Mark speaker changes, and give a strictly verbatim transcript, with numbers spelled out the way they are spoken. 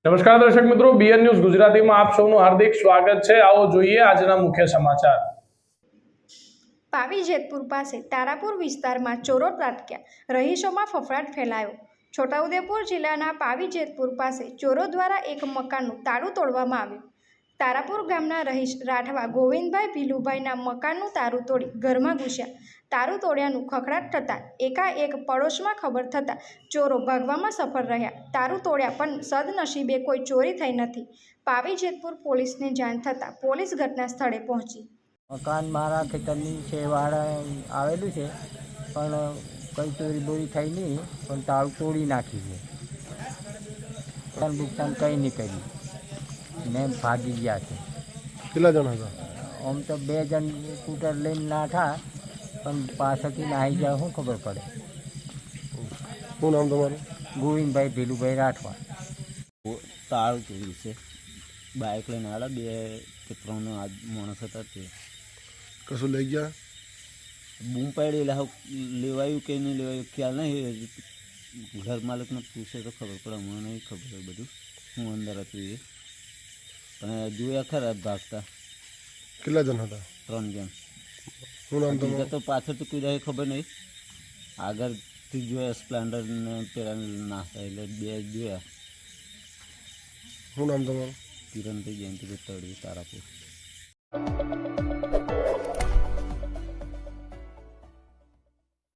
Speaker 1: નમસ્કાર દર્શક મિત્રો, બીએન ન્યૂઝ ગુજરાતીમાં આપ સૌનું હાર્દિક સ્વાગત છે। આવો જોઈએ આજના મુખ્ય સમાચાર।
Speaker 2: પાવી જેતપુર પાસે તારાપુર વિસ્તારમાં ચોરો ત્રાટક્યા, રહીશોમાં ફફડાટ ફેલાયો। છોટાઉદેપુર જિલ્લાના પાવી જેતપુર પાસે ચોરો દ્વારા એક મકાનનું તાળું તોડવામાં આવ્યું। તારાપુર ગામના રહીશ રાઠવા ગોવિંદભાઈ ભીલુભાઈના મકાનનું તાળું તોડી ઘરમાં ઘૂસ્યા। તાળું તોડ્યાનું ખખડાટ થતાં એકાએક પડોશમાં ખબર થતાં ચોરો ભાગવામાં સફળ રહ્યા। તાળું તોડ્યા પણ સદનસીબે કોઈ ચોરી થઈ નથી। પાવી જેતપુર પોલીસને જાણ થતાં પોલીસ ઘટના સ્થળે પહોંચી।
Speaker 3: મકાન મારા ખેતરની છે વાળા આવેલું છે, પણ કંઈ ચોરી બોરી થઈ નહીં, પણ તાળું તોડી નાખી છે। નુકસાન નુકસાન કંઈ નહીં કર્યું ને ભાગી ગયા છે।
Speaker 4: કેટલા જણા હતા?
Speaker 3: આમ તો બે જણ સ્કૂટર લઈને નાઠા, પણ પાછળથી નાહી જાય શું ખબર પડે।
Speaker 4: શું નામ તમારું?
Speaker 3: ગોવિંદભાઈ ભીલુભાઈ રાઠવા।
Speaker 5: તાળું તોડ્યું છે, બાઇક લઈને આવ્યા બે કે ત્રણ આ માણસ હતા તે
Speaker 4: કશું લઈ ગયા?
Speaker 5: બૂમ પાડી એટલે હવે લેવાયું કે નહીં લેવાયું ખ્યાલ નહીં, ઘર માલિકને પૂછે તો ખબર પડે, મને નહીં ખબર બધું હું અંદર હતું એ, પણ જોયા ખરા ભાગતા।
Speaker 4: કેટલા જણ હતા?
Speaker 5: ત્રણ જણ।
Speaker 4: શું નામ
Speaker 5: બીજા
Speaker 4: તમારું?
Speaker 5: તો પાછળથી કોઈ રહે ખબર નહીં, આગળથી જોયા સ્પ્લેન્ડર ને પેલા નાસ્તા એટલે બે જોયા।
Speaker 4: શું નામ તમારું?
Speaker 5: કિરણભાઈ જયંતિભાઈ તળવી તારાપુર।